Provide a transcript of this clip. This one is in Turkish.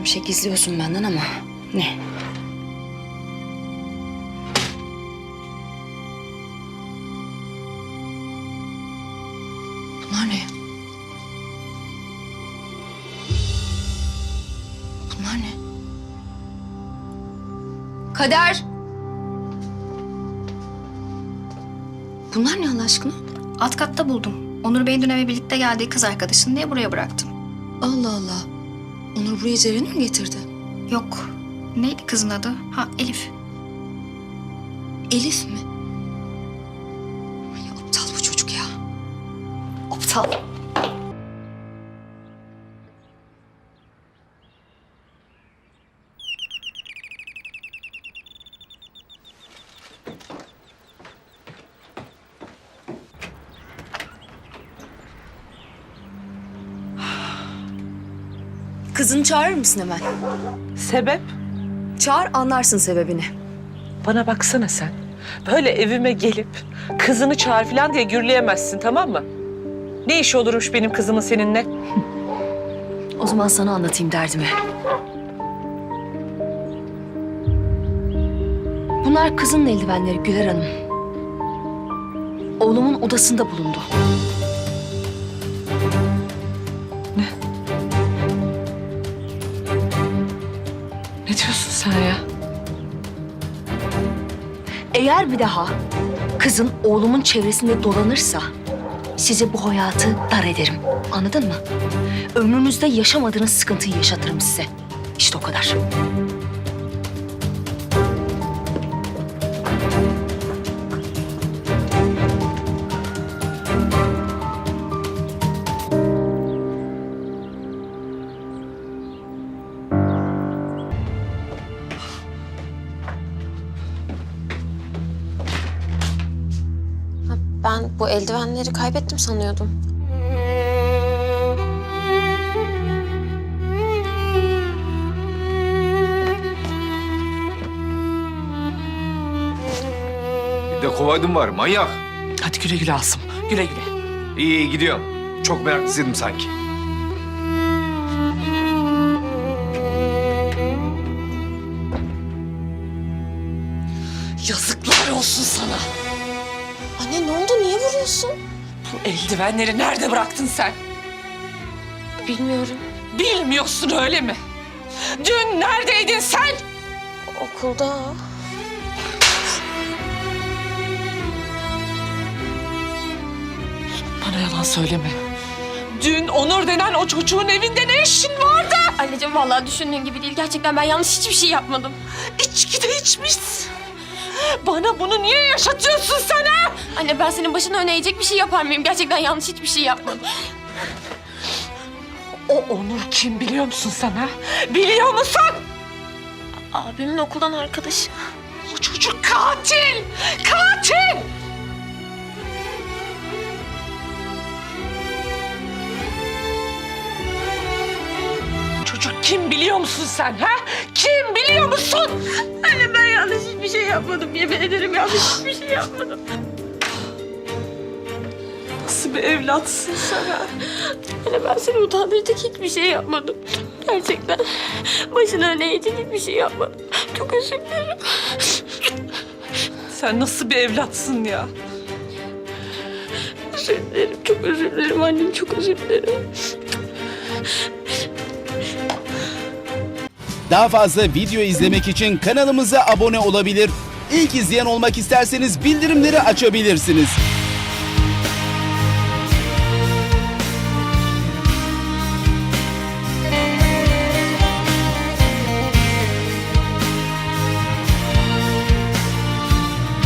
Bir şey gizliyorsun benden ama ne? Bunlar ne? Bunlar ne? Kader! Bunlar ne Allah aşkına? Alt katta buldum. Onur Bey'in dün eve birlikte geldiği kız arkadaşın diye buraya bıraktım. Allah Allah. Onur buraya Ceren'i mi getirdi? Yok. Neydi kızın adı? Ha, Elif. Elif mi? Ay, aptal bu çocuk ya. Aptal. Kızını çağırır mısın hemen? Sebep? Çağır, anlarsın sebebini. Bana baksana sen. Böyle evime gelip kızını çağır falan diye gürleyemezsin, tamam mı? Ne iş olurmuş benim kızımın seninle? O zaman sana anlatayım derdimi. Bunlar kızının eldivenleri Güler Hanım. Oğlumun odasında bulundu. Ne diyorsun sen ya? Eğer bir daha kızın oğlumun çevresinde dolanırsa size bu hayatı dar ederim. Anladın mı? Ömrünüzde yaşamadığınız sıkıntıyı yaşatırım size. İşte o kadar. Ben bu eldivenleri kaybettim sanıyordum. Bir de kovaydın var manyak. Hadi güle güle Asım, güle güle. İyi iyi gidiyorum. Çok meraklısıydım sanki. Yazıklar olsun sana. Anne ne oldu? Niye vuruyorsun? Bu eldivenleri nerede bıraktın sen? Bilmiyorum. Bilmiyorsun öyle mi? Dün neredeydin sen? Okulda. Bana yalan söyleme. Dün Onur denen o çocuğun evinde ne işin vardı? Anneciğim vallahi düşündüğün gibi değil. Gerçekten ben yanlış hiçbir şey yapmadım. İçki de içmişsin. Bana bunu niye yaşatıyorsun sen ha? Anne ben senin başına öne eğecek bir şey yapar mıyım? Gerçekten yanlış hiçbir şey yapmadım. O Onur kim biliyor musun sen ha? Biliyor musun? Abimin okuldan arkadaşı. O çocuk katil! Katil! Çocuk kim biliyor musun sen ha? Kim biliyor musun? Anne ben yanlış hiçbir şey yapmadım. Yemin ederim yanlış hiçbir şey yapmadım. Nasıl bir evlatsın sen ha? Anne ben seni utandıracak hiçbir şey yapmadım. Gerçekten başına öne eğecek hiçbir şey yapmadım. Çok özür dilerim. Sen nasıl bir evlatsın ya? Özür dilerim. Çok özür dilerim annem. Çok özür dilerim. Daha fazla video izlemek için kanalımıza abone olabilir. İlk izleyen olmak isterseniz bildirimleri açabilirsiniz.